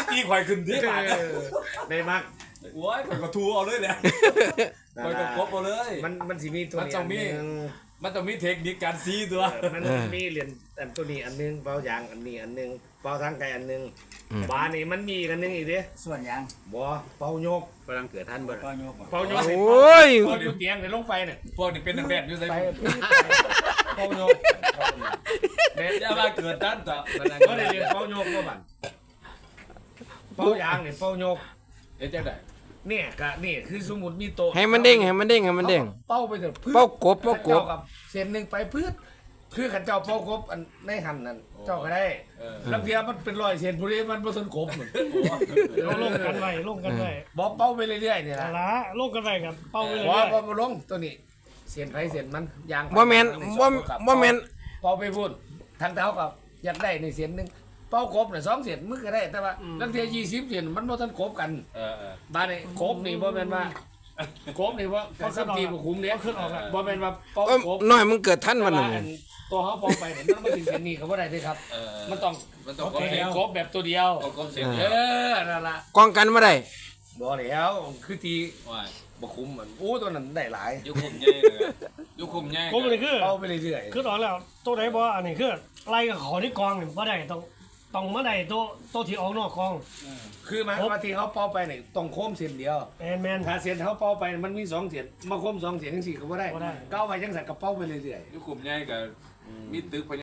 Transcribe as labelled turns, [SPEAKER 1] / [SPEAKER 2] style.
[SPEAKER 1] ตีข่อยขึ้นที่ปาก
[SPEAKER 2] ได้มาก
[SPEAKER 1] โอ้ยข่อยก็ทูเอาเลยแหละข่อยก็กบเอาเลย
[SPEAKER 2] มันสิมีตัวนี้อันนึง
[SPEAKER 1] มันต้องมีเทคนิคการซีตัว
[SPEAKER 2] มันมีเหรียญอันตัวนี้อันนึงเป่ายางอันนี้อันนึงเป่าทางไกลอันนึงบานี่มันมีอันนึงอีกเด้
[SPEAKER 3] ส่วนยัง
[SPEAKER 2] บ่เป่าโยก
[SPEAKER 4] กำลังเกิดท่านบ่
[SPEAKER 3] ก็โยก
[SPEAKER 2] เป่าโยก
[SPEAKER 5] โอ้ย
[SPEAKER 2] เป่าอยู่เตียงเลยลงไปเนี่ย
[SPEAKER 1] พวกนี้เป็นนักแบบอยู่ไส
[SPEAKER 2] ไป
[SPEAKER 1] เป่าโยกเด็ดอย่ามาเกิดด้านต่อ
[SPEAKER 2] ก็ได้เรียนเป่าโยกก็บัดเป่ายางเนี่ยเป่าโยก
[SPEAKER 1] เฮ็ดจังได๋
[SPEAKER 2] เนี่ยก็นี่คือสมมุติมีโต๊ะ
[SPEAKER 5] ให้มันเด้งให้มันเด้งให้มันเด้ง
[SPEAKER 2] เป่าไปเถอะ
[SPEAKER 5] เป่ากบเป่ากบ
[SPEAKER 2] เจ้กับเส้นหนึงไปพืชคือขันเจ้าเป่ากบอันในหันนั่นเจ้าก็ได้แล้วเทียมันเป็น100เส้นผู้นี้มันบ่ทันกบเหมือน
[SPEAKER 6] ลงกันไว้ลงกันไว้
[SPEAKER 2] บ่เป่าไปเรื่อยๆนี่
[SPEAKER 6] แต่
[SPEAKER 2] ล่ะ
[SPEAKER 6] ละลงกันไว้กับเป้าไปเลย
[SPEAKER 2] บ่ลงตัวนี้เส้นไผเส้นมันยาง
[SPEAKER 5] บ่แม่นบ่แม่น
[SPEAKER 2] เป่าไปพูดทางเท้ากับอยากได้ในเส้นหนึงเป่ากบน่ะ2เส้นมึงก็ได้แต่ว่าแล้วเทีย20เส้นมันบ่ทันกบกัน บ้านนี่กบนี่บ่แม่นว่ากบนี่ว่าเขาสับทีบ่คุ้มเด้บ่แม่นว่าเป่า
[SPEAKER 5] เอ้ย
[SPEAKER 2] กบ
[SPEAKER 5] น้อยมันเกิดท่านมัน
[SPEAKER 2] ว่า
[SPEAKER 5] น่ะ
[SPEAKER 2] อันตัวเขาเป่าไปเนี่ยมันบ่ถึงเส้นนี้ก็บ่ได้เด้ครับมันต้อง
[SPEAKER 1] มันต้อง
[SPEAKER 2] โอเคกบแบบตัวเดียว
[SPEAKER 1] เอากบเสียง
[SPEAKER 2] เออนั่นล่ะ
[SPEAKER 5] กองกันบ่ได้
[SPEAKER 2] บ่แล้วคือที
[SPEAKER 1] ว่า
[SPEAKER 2] บ่คุ้มมันโอ้ตัวนั้นได้หลาย
[SPEAKER 1] ยุคุมใหญ่เลยยุคุมใหญ่
[SPEAKER 6] ผมเลยคือ
[SPEAKER 2] เป่าไปเรื่อย
[SPEAKER 6] คือตอนแล้วตัวไหนบ่อันนี้คือไล่กับเขาที่กองนี่บ่ได้ต้องมาได้ตัวที่ออกนอกกอง
[SPEAKER 2] ๆคือหมายความว่าที่เขาเป่าไปนี่ต้องโค้มเส้นเดียว
[SPEAKER 6] แมน
[SPEAKER 2] ถ้าเส้นเขาเป่าไปมันมี2เส้นมาโค้ม2เส้นจังซี่ก็บ่ได้
[SPEAKER 6] บ่ได้
[SPEAKER 2] ก้าวไปจังซั่นก็เป่าไปเรื่อยๆ
[SPEAKER 1] ยุคุมใหญ่กับมีตึก